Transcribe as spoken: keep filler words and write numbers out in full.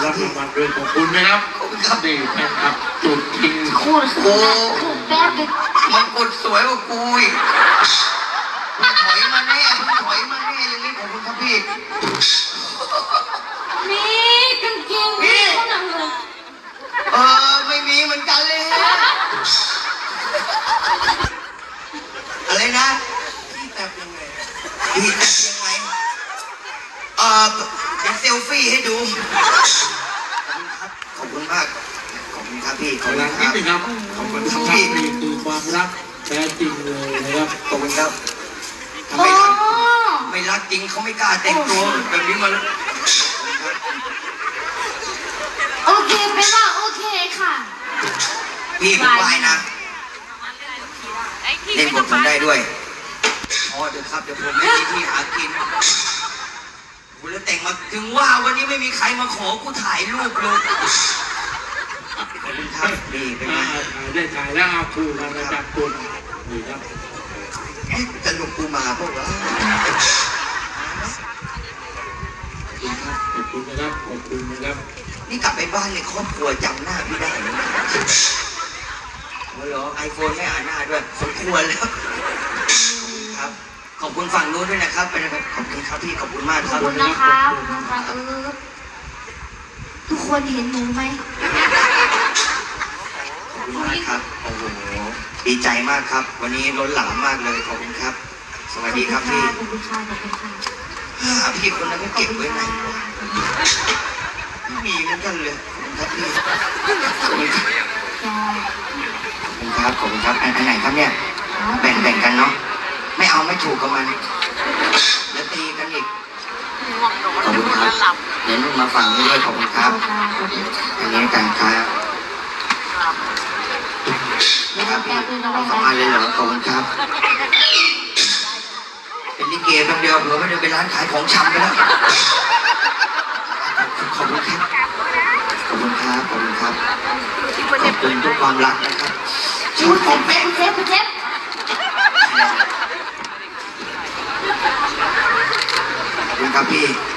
รับรางวัลด้วยขอบคุณนะครับครับนี่แฟนคลับจุดจริงโคตรโอ้แป๊บเลยมันกดสวยกว่ากูอีกมึงถอยมาแน่มึงถอยมาแน่อย่างนี้ขอบคุณครับพี่มีกางเกงมีเขาหนังเลยเออไม่มีเหมือนกันเลยฮะอะไรนะพี่แตบยังไงพี่แตบยังไงเออเดี๋ยวเซลฟี่ให้ดูขอบคุณครับขอบคุณมากขอบคุณครับพี่ขอบหคุลัณงคนิรัดบนึงครับขอบคุณครับนี่คือความรักแท้จริงเลยนะครับขอบคุณครับทำโอ้ไมรักไม่รักจริงเขาไม่กล้าแต่งตัวแบบนี้มาแล้วโอเคเป็นว่าโอเคค่ะพี่ผมไหวนะเล่นบทผมได้ด้วยพอเถอะครับเดี๋ยวผมไม่มีที่หากินกูแล้วแต่งมาถึงว่าวันนี้ไม่มีใครมาขอกูถ่ายรูปเลยขอบคุณครับนี่เป็นไงถ่ายได้ถ่ายแล้วเอาคู่กันระดับคุณนี่ครับจะลงกูมาพวกเราขอบคุณนะครับขอบคุณนะครับนี่กลับไปบ้านเลยครอบครัวจำหน้าพี่ได้ไหมเหรอไอโฟนไม่อ่านหน้าด้วยสมควรแล้วครับขอบคุณฝั่งนู้นด้วยนะครับไปนะครับขอบคุณครับพี่ขอบคุณมากขคอบรับคุณนะคะขอบคุณนะคะเออทุกคนเห็นหนูไหมขอบคุณมากครับโอ้โหดีใจมากครับ วันนี้ล้นหลามมากเลยขอบคุณครับ สวัสดีครับพี่ขอบคุณค่ะขอบคุณค่ะหาพี่คนนั้นก็เก็บไว้ไหนวะไม่มีเหมือนกันเลยขอบคุณครับพี่ขอบคุณครับขอบคุณครับขอบคุณครับอันอันไหนครับเนี่ยแบ่งแบ่งกันเนาะไม่เอาไม่ถูกกับมันแล้วตีกันอีกขอบคุณครับเดี๋ยวนุ่มมาฝั่งนี้ด้วยขอบคุณครับอันนี้กันครับนะครับพี่สองอันเลยเหรอขอบคุณครับเป็นลิเกแป๊บเดียวเผื่อไม่ได้ไปร้านขายของชำไปแล้วขอบคุณครับขอบคุณครับขอบคุณครับขอบคุณทุกความรักนะครับชุดผมเป็นเซฟเซฟขอบคุณครับพี่